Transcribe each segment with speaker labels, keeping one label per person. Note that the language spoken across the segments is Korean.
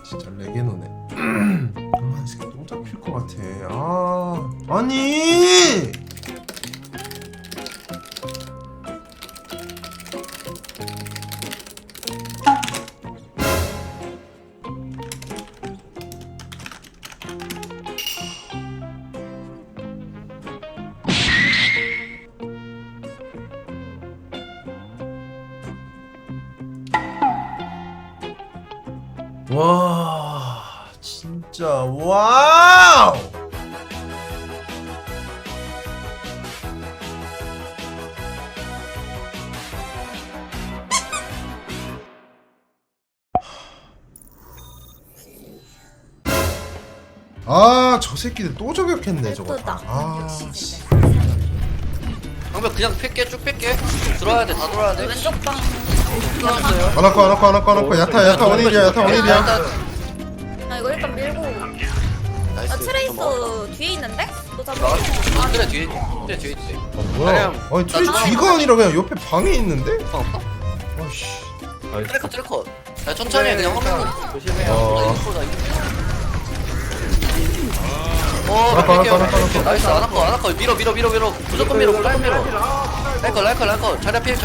Speaker 1: 진짜 레게노네. 아, 이 새끼 똥 잡힐 것 같아. 아, 아니. 와, 진짜 와우. 아, 저 새끼들 또 저격했네 저거. 아, 씨.
Speaker 2: 방벽 그냥 팰게 쭉 팰게 들어와야 돼다 들어와야 돼
Speaker 3: 왼쪽 방.
Speaker 2: 들어왔어요
Speaker 1: 안 할거 야타 원일이야.
Speaker 3: 아 이거 일단 밀고.
Speaker 2: 나이스
Speaker 3: 아 트레이서 뒤에 있는데? 너 잡아.
Speaker 2: 아 그래 뒤에 있지
Speaker 1: 뭐야? 아니 트레이 뒤가 아니라 그냥 옆에 방에 있는데?
Speaker 2: 방 없다?
Speaker 1: 아씨.
Speaker 2: 트래커 야 천천히 해 그냥 화면 조심해
Speaker 1: 알았어.
Speaker 2: 나이스 안할거 밀어 무조건 밀어 라이커 자리 앞에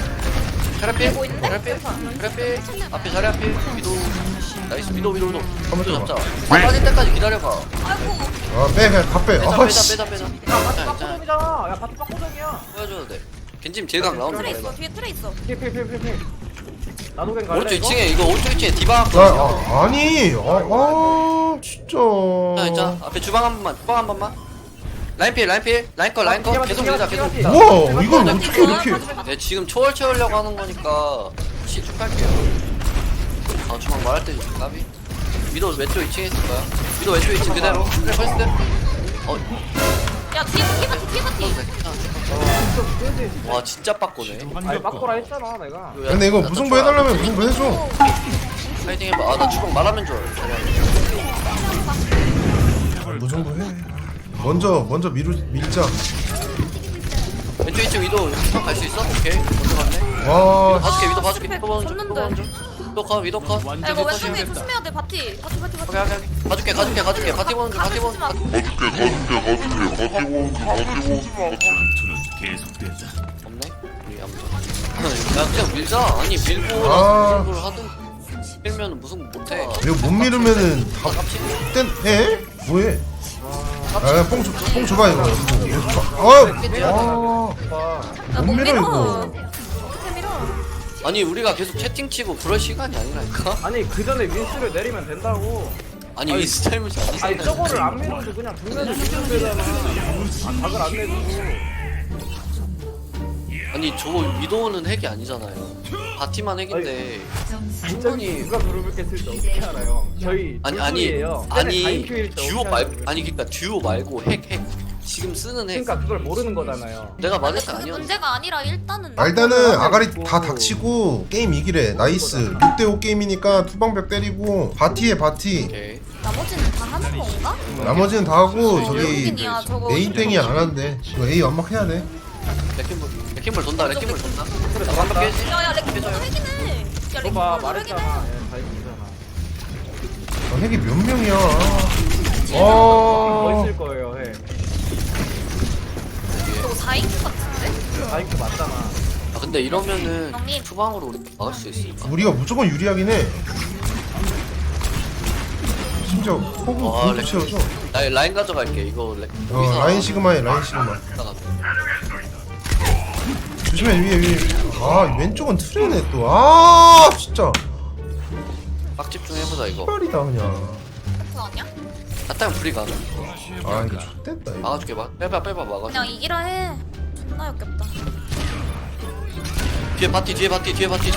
Speaker 2: 앞에 자리 앞에 미도 나이스 미도 잡자 빠질 때까지 기다려봐
Speaker 1: 아, 빼 그냥 다 빼. 아, 씨.
Speaker 2: 빼자
Speaker 4: 빡고정이잖아. 야 바트 빡고정이야.
Speaker 2: 보여줘도 돼 겐짐 딜각 나오는
Speaker 3: 트레
Speaker 2: 거
Speaker 3: 있어.
Speaker 2: 해봐
Speaker 3: 뒤에 트레 있어.
Speaker 4: 필. 나도 갱 갈래.
Speaker 2: 오른쪽
Speaker 4: 이거?
Speaker 2: 2층에 이거 오른쪽 2층에 디바
Speaker 1: 아니. 진짜.
Speaker 2: 자 있잖아 앞에 주방 한 번만 라인 거 계속 밀자
Speaker 1: 우와, 이걸 어떻게 이렇게?
Speaker 2: 네, 지금 초월 채우려고 하는 거니까 쭉 할게요 아 주방 말할 때 좀 까비 미도 왼쪽 2층에 있을 거야 미도 왼쪽 2층 그대로 그래 펄스트
Speaker 3: 야 뒤에
Speaker 2: 와 진짜 빡고네
Speaker 4: 아니 빡고라 했잖아 내가.
Speaker 1: 근데 이거 무승부 해달라면 무승부 해줘.
Speaker 2: 파이팅 해봐 아나 주방 말하면 줄
Speaker 1: 무승부 해. 먼저 밀자.
Speaker 2: 왼쪽 2층 위도 갈 수 있어? 오케이 먼저 갔네
Speaker 1: 와,
Speaker 2: 위도 봐줄게
Speaker 3: 줬는데.
Speaker 2: 위도 컷
Speaker 3: 야 이거 왼쪽에 조심해야 돼. 바티.
Speaker 2: 오케이 가줄게 바티 보는 중 없네? 우리 아무튼 야 그냥 밀자 아니 밀고
Speaker 1: 아.
Speaker 2: 를 하든 밀면 무슨 못해
Speaker 1: 이거 못 밀으면은 다 땐 해? 뭐해? 아, 뽕 줘봐 이거. 못 밀어 이거.
Speaker 3: 어떻게 밀어?
Speaker 2: 아니 우리가 계속 채팅치고 그럴 시간이 아니라니까?
Speaker 4: 아니 그 전에 윈스를 내리면 된다고.
Speaker 2: 아니 이 스타일이
Speaker 4: 아니 저거를 안 밀어도 그냥 분면을 주면 되잖아. 아 각을 안 내주고.
Speaker 2: 아니 저거 위도우는 핵이 아니잖아요 바티만 핵인데
Speaker 4: 진짜니 누가 그룹을 깼을 때 어떻게 알아요? 저희
Speaker 2: 아니
Speaker 4: 듀오
Speaker 2: 아니 그니까 듀오 말고 핵 지금 쓰는 핵
Speaker 4: 그러니까 그걸 모르는 거잖아요.
Speaker 2: 내가 맞을 때
Speaker 3: 그게
Speaker 2: 아니었는데
Speaker 3: 문제가 아니라 일단은.
Speaker 1: 일단은 아가리 다 닥치고 게임 이기래. 나이스. 6대5 게임이니까 투방벽 때리고 바티에 바티.
Speaker 2: 오케이
Speaker 3: 나머지는 다 하는 건가?
Speaker 1: 나머지는 다 하고 저기
Speaker 3: 외국인이야, 저거.
Speaker 1: 메인탱이 안 한대. 이거 A 완막해야 돼.
Speaker 2: 레킹볼 돈다 그래 나 반박 깨지
Speaker 3: 야야 렉키도 핵이네. 야 렉키도
Speaker 4: 봐
Speaker 3: 핵이네.
Speaker 4: 말했잖아. 예, 다 이기잖아.
Speaker 1: 핵이 몇 명이야?
Speaker 4: 더 있을 거예요. 해.
Speaker 3: 저거 4인 같은데?
Speaker 4: 다 이기 맞잖아.
Speaker 2: 아 근데 이러면은
Speaker 3: 형님.
Speaker 2: 투방으로 우리 막을 수 있을까?
Speaker 1: 우리가 무조건 유리하긴 해. 심지어 호구
Speaker 2: 아,
Speaker 1: 공도
Speaker 2: 렉.
Speaker 1: 채워줘.
Speaker 2: 나 라인 가져갈게 이거
Speaker 1: 라인 시그마에 라인 시그마.
Speaker 2: 이따가
Speaker 1: 조심해 위에. 아, 왼쪽은 트레네 또. 아, 진짜.
Speaker 2: 빡 집중해보자 이거
Speaker 1: 빨이다 그냥.
Speaker 3: 그거 아니야?
Speaker 2: 아따면 불이 가능
Speaker 1: 아, 이거 X됐다 이거.
Speaker 2: 막아줄게 빼봐 막아줘
Speaker 3: 그냥 이기라 해. 존나 역겹다.
Speaker 2: 뒤에 바티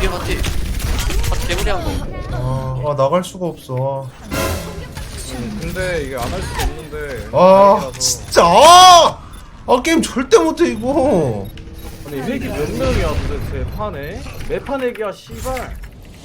Speaker 2: 개구리 한거
Speaker 1: 나갈 수가 없어.
Speaker 4: 근데 이게 안 할 수도 없는데.
Speaker 1: 아,
Speaker 4: 다행이라서.
Speaker 1: 진짜. 게임 절대 못해 이거.
Speaker 4: 아니 핵이 몇 명이야 도대체 판에? 매판 핵이야 씨발.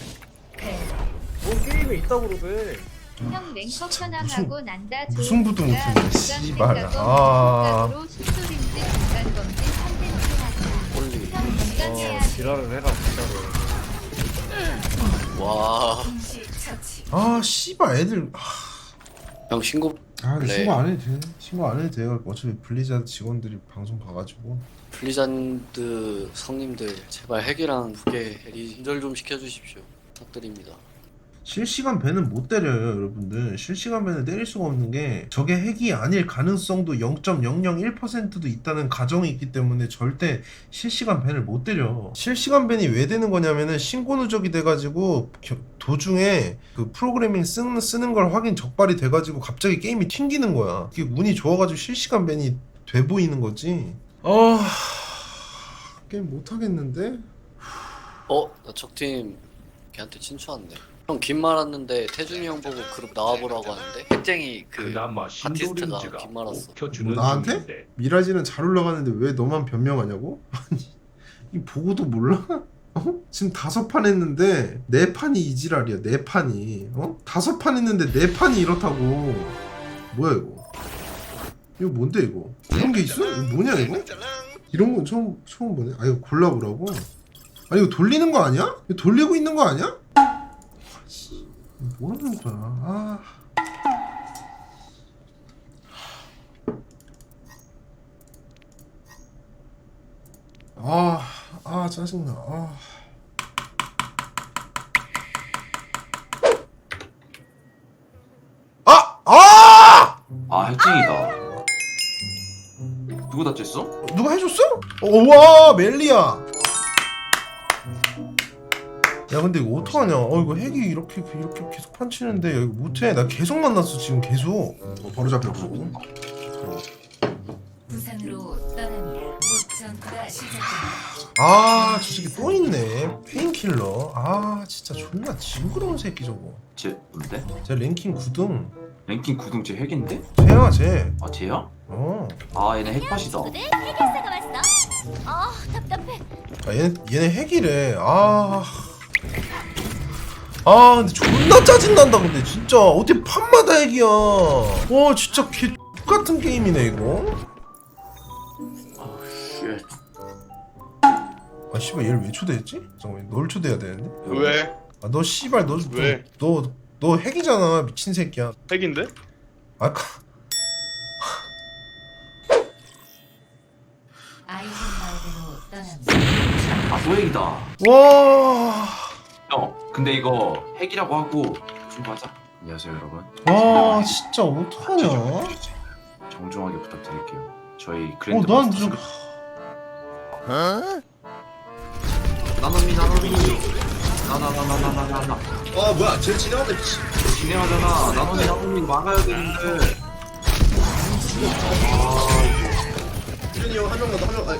Speaker 4: 뭔 게임에 있다고 그러대.
Speaker 5: 형 랭커 편향하고 난다.
Speaker 1: 무슨 부도 못했네, 씨발. 아.
Speaker 5: 수술인지 건강검진 컨텐츠 하자.
Speaker 2: 올리
Speaker 5: 형 건강해야 돼.
Speaker 4: 지랄을 해라 진짜로.
Speaker 2: 와
Speaker 1: 아 씨발 애들
Speaker 2: 형 신고.
Speaker 1: 근데
Speaker 2: 네.
Speaker 1: 신고 안 해도 돼. 신고 안 해도 돼요. 어차피 블리자드 직원들이 방송 봐가지고.
Speaker 2: 블리자드 성님들 제발 핵이랑 무게 리절 좀 시켜주십시오. 부탁드립니다.
Speaker 1: 실시간 밴은 못 때려요, 여러분들. 실시간 밴을 때릴 수가 없는 게 저게 핵이 아닐 가능성도 0.001%도 있다는 가정이 있기 때문에 절대 실시간 밴을 못 때려. 실시간 밴이 왜 되는 거냐면은 신고 누적이 돼가지고 도중에 그 프로그래밍 쓰는 걸 확인 적발이 돼가지고 갑자기 게임이 튕기는 거야. 그게 운이 좋아가지고 실시간 밴이 돼 보이는 거지. 게임 못 하겠는데?
Speaker 2: 나 적팀 걔한테 친추한데. 형 긴 말 왔는데 태준이 형 보고 그룹 나와보라고 하는데 핵쟁이 그
Speaker 6: 그나마
Speaker 2: 아티스트가
Speaker 6: 신도림즈가
Speaker 2: 긴 말 왔어.
Speaker 6: 먹혀주는
Speaker 1: 뭐 나한테?
Speaker 6: 중인데.
Speaker 1: 미라지는 잘 올라가는데 왜 너만 변명하냐고? 아니 이 보고도 몰라? 지금 5판 했는데 4판이 이지랄이야. 4판이 5판 했는데 4판이 이렇다고. 뭐야 이거? 이거 뭔데 이거? 이런 게 있어? 이거 뭐냐 이거? 이런 건 처음 보네. 아 이거 골라보라고? 아니 이거 돌리는 거 아니야? 이거 돌리고 있는 거 아니야? 뭐라는 거야? 짜증나.
Speaker 7: 핵쟁이다. 누구 다쳤어?
Speaker 1: 누가 해줬어? 와 멜리야. 야 근데 이거 어떡하냐? 이거 핵이 이렇게 계속 판치는데 이거 못해. 나 계속 만났어 지금 계속. 바로 잡혔고.
Speaker 8: 부산으로 떠납니다. 목전투가 시작됩니다.
Speaker 1: 저 새끼 또 있네. 페인킬러. 진짜 존나 징그러운 새끼 저거.
Speaker 7: 쟤 뭔데?
Speaker 1: 쟤 랭킹 9등.
Speaker 7: 랭킹 9등 쟤 핵인데?
Speaker 1: 쟤야 쟤.
Speaker 7: 아 쟤야?
Speaker 1: 어.
Speaker 7: 얘네 핵팟이다.
Speaker 3: 해결사가 왔어? 답답해.
Speaker 1: 얘네 핵이래. 근데 존나 짜증난다. 근데 진짜 어떻게 판마다 핵이야. 진짜 개 같은 게임이네 이거. 씨발 얘를 왜 초대했지? 잠깐만 널 초대해야 되는데.
Speaker 4: 왜?
Speaker 1: 너 씨발
Speaker 4: 왜?
Speaker 1: 너 핵이잖아 미친 새끼야.
Speaker 4: 핵인데?
Speaker 1: 아까
Speaker 8: 아이젠 마을로 떠납니다.
Speaker 7: 또 핵이다.
Speaker 1: 와.
Speaker 7: 근데 이거 핵이라고 하고 좀 가자. 안녕하세요 여러분.
Speaker 1: 진짜 어떡하냐.
Speaker 7: 정중하게 부탁드릴게요. 저희 그랜드
Speaker 1: 난
Speaker 7: 마스터
Speaker 1: 좀.
Speaker 7: 나노미 나나나나나나나
Speaker 2: 뭐야 쟤 진행한다 미치.
Speaker 7: 진행하잖아. 나노미 막아야 되는데.
Speaker 2: 태준이 형 한 명만 더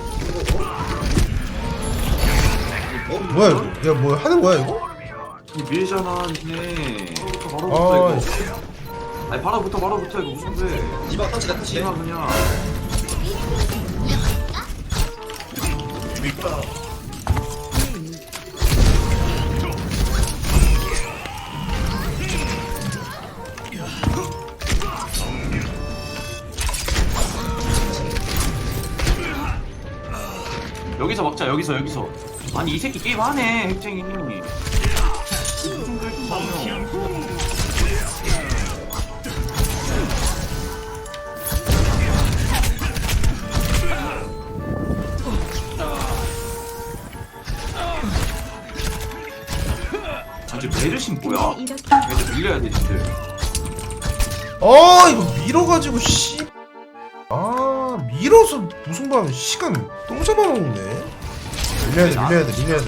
Speaker 1: 뭐야 이거? 야 뭐 하는 거야 이거?
Speaker 7: 밀잖아 니네. 바로부터 이거. 아니 바로부터 이거 무슨 데?
Speaker 2: 이방 터치다 터치.
Speaker 7: 내가 그냥. 여기서 먹자 여기서. 아니 이 새끼 게임 하네 핵쟁이. 이제 메르신 뭐야? 애들 밀려야 돼 진짜.
Speaker 1: 이거 밀어가지고 씨. 밀어서 무승부하면 시간 똥 잡아먹네. 밀려야 돼.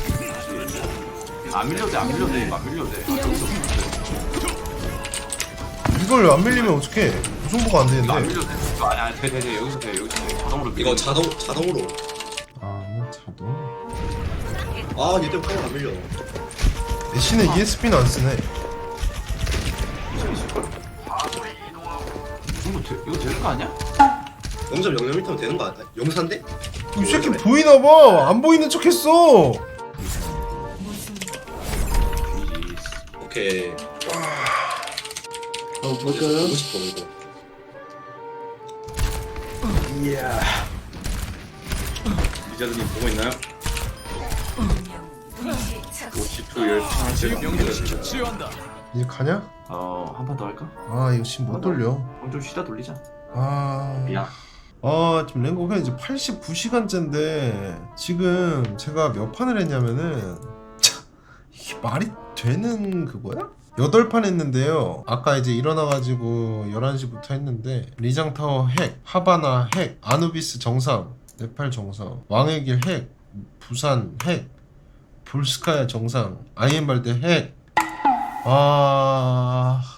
Speaker 7: 안 밀려도 돼.
Speaker 1: 이걸 안 밀리면 어떡해. 무승부가 안
Speaker 7: 이거 안
Speaker 1: 되는데.
Speaker 7: 밀려도 돼. 아니야 돼. 여기서 돼. 자동으로 밀려.
Speaker 2: 이거 자동으로.
Speaker 1: 자동.
Speaker 2: 얘 때문에 카메라 안 밀려.
Speaker 1: 대신에 ESP는 안 쓰네.
Speaker 7: 이거 되는 거 아니야?
Speaker 2: 0.00m면 되는 거 아니야? 용산데?
Speaker 1: 이 새끼 보이나봐. 안 보이는 척했어.
Speaker 2: 오케이. 볼까요? 보고 싶어 이거. 이야. 리자드님 보고 있나요?
Speaker 7: G2 열창할 때
Speaker 1: 이제 가냐?
Speaker 7: 한 판 더 할까?
Speaker 1: 아 이거 지금 못 돌려.
Speaker 7: 그럼 좀 쉬다 돌리자.
Speaker 1: 아 지금 랭고가 이제 89시간째인데 지금 제가 몇 판을 했냐면은 참 이게 말이 되는 그거야? 8판 했는데요. 아까 이제 일어나가지고 11시부터 했는데 리장타워 핵, 하바나 핵, 아누비스 정상, 네팔 정상, 왕의 길 핵, 부산 핵, 볼스카야 정상, 아이엠발드 핵.